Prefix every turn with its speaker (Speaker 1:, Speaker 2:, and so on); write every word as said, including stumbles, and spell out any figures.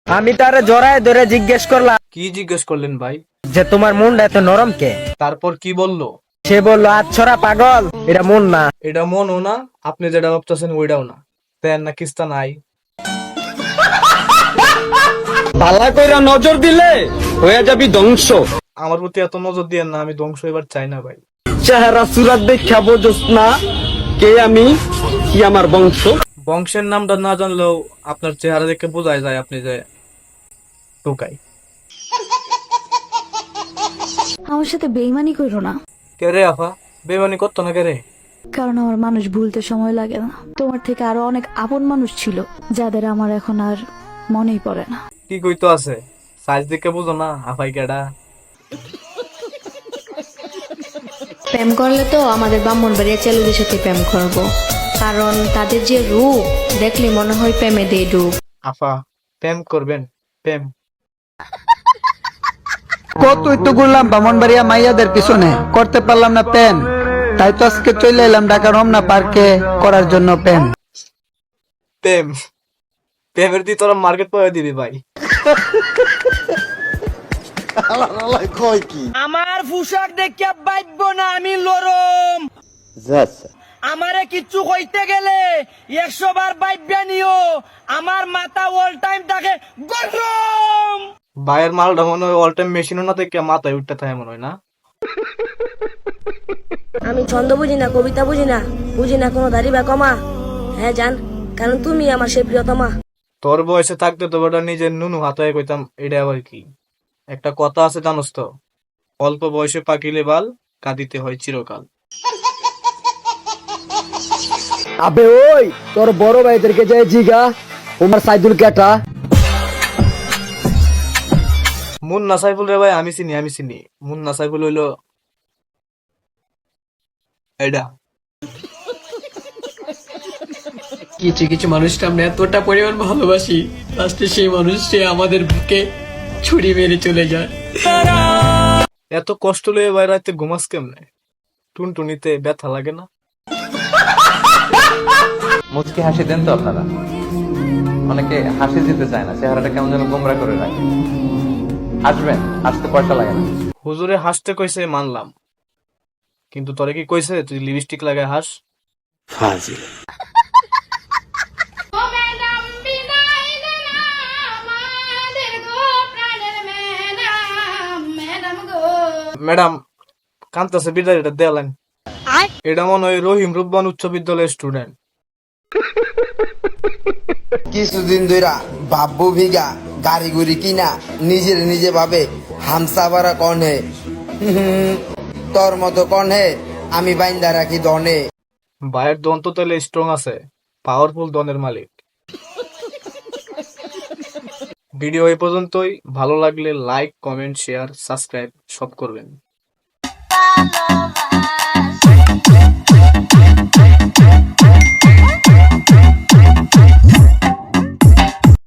Speaker 1: আমি তারে জড়ায় ধরে জিজ্ঞেস করলাম,
Speaker 2: কি জিজ্ঞেস করলেন ভাই?
Speaker 1: যে তোমার মনটা এত নরম কে?
Speaker 2: তারপর কি বললো?
Speaker 1: সে বললো, আচ্ছরা পাগল, এটা মন না।
Speaker 2: এটা মনও না, আপনি যেটা ভাবতেছেন ওইটাও না। তেন না কিস্তা নাই।
Speaker 3: পাল্লা কইরা নজর দিলে হয়ে যাবি ধ্বংস।
Speaker 2: আমার প্রতি এত নজর দিয়েন না, আমি ধ্বংস এবার চাই না ভাই।
Speaker 3: চেহারা সুরাত দেখা বোঝস না কে আমি, কি আমার বংশ।
Speaker 2: বংশের নামটা না জানলেও আপনার চেহারা দেখে বোঝাই যায় আপনি যে টোকাই।
Speaker 4: আমার সাথে বেইমানি করো না,
Speaker 2: কে রে আফা? বেমানি করতো না কে রে?
Speaker 4: কারণ আমার মানুষ ভুলতে সময় লাগে না। তোমার থেকে আরো অনেক আপন মানুষ ছিল যাদের আমার এখন আর মনেই পড়ে না।
Speaker 2: কি কইতো আছে? সাইজ দেখে বুঝো না আফাই কেডা?
Speaker 5: প্রেম করলে তো আমাদের ব্রাহ্মণবাড়িয়া ছেলেদের সাথে প্রেম করবো, কারণ তাদের যে রূপ দেখলে মনে হয় প্রেমে দিয়ে ডুব।
Speaker 2: আফা প্রেম করবেন? প্রেম
Speaker 6: কতই তো ঘুরলাম বামনবাড়িয়া মাইয়াদের পিছনে, করতে পারলাম না প্রেম। তাই তো আজকে চলে এলাম ঢাকা রমনা পার্কে করার জন্য প্রেম।
Speaker 2: প্রেম প্রেমের দিয়ে তোরা মার্কেট পাওয়া দিবি ভাই।
Speaker 1: আমার পোশাক দেখিয়া বাইব না আমি লরম। আমারে কিচ্ছু কইতে গেলে একশো বার বাইব্যা নিও, আমার মাথা অল টাইম থাকে গরম।
Speaker 2: ভাইয়ের মালটা মনে হয় অল টাইম মেশিনও না থেকে মাথায় উঠতে থাকে মনে হয় না।
Speaker 7: আমি ছন্দ বুঝি না, কবিতা বুঝি না, বুঝি না কোনো দাড়ি বা কমা। হ্যাঁ জান, কারণ তুমি আমার সেই প্রিয়তমা।
Speaker 2: তোর বয়সে থাকতে তো বেটা নিজের নুনু হাতায় কইতাম, এটা আবার কি? একটা কথা আছে জানোস তো, অল্প বয়সে পাকিলে বাল, কাঁদিতে হয় চিরকাল।
Speaker 3: আবে ওই তোর বড় ভাইদেরকে যায় জিগা ওমর সাইদুল কেটা।
Speaker 2: মুন্না সাইফুল রে ভাই আমি চিনি, আমি চিনি। মুন্না সাইফুল হইলো এটা।
Speaker 8: কিছু কিছু মানুষকে আমরা এতটা পরিমাণ ভালোবাসি, লাস্টে সেই মানুষটি আমাদের বুকে ছুরি মেরে চলে যায়।
Speaker 2: এত কষ্ট লয়ে ভাই রাতে ঘুমাস কেমনে? টুনটুনিতে ব্যথা লাগে না?
Speaker 9: মুচকি হাসি দেন তো আপনারা? অনেকে হাসি দিতে চায় না, চেহারাটা কেমন যেন গোমরা করে রাখে। হাসবেন, হাসতে পয়সা লাগে না।
Speaker 2: হুজুরে হাসতে কইছে মানলাম, কিন্তু তোরে কি কইছে তুই লিপস্টিক লাগায় হাস?
Speaker 6: ফাজিল।
Speaker 2: ম্যাডাম কান্তাছে বিদায়, এটা দেয়ালেন। এটা মনে হয় রহিম রুব্বান উচ্চ বিদ্যালয়ের স্টুডেন্ট।
Speaker 10: কিছুদিন ধইরা বাব্বু ভিগা গাড়ি গুড়ি কিনা নিজের নিজে ভাবে হামসা বারা কনে, তোর মতো কনে আমি বাইন্দা রাখি দনে।
Speaker 2: ভাইয়ের দন্ত তেলে স্ট্রং আছে, পাওয়ারফুল দনের মালিক। ভিডিও এই পর্যন্তই। ভালো লাগলে লাইক, কমেন্ট, শেয়ার, সাবস্ক্রাইব সব করবেন।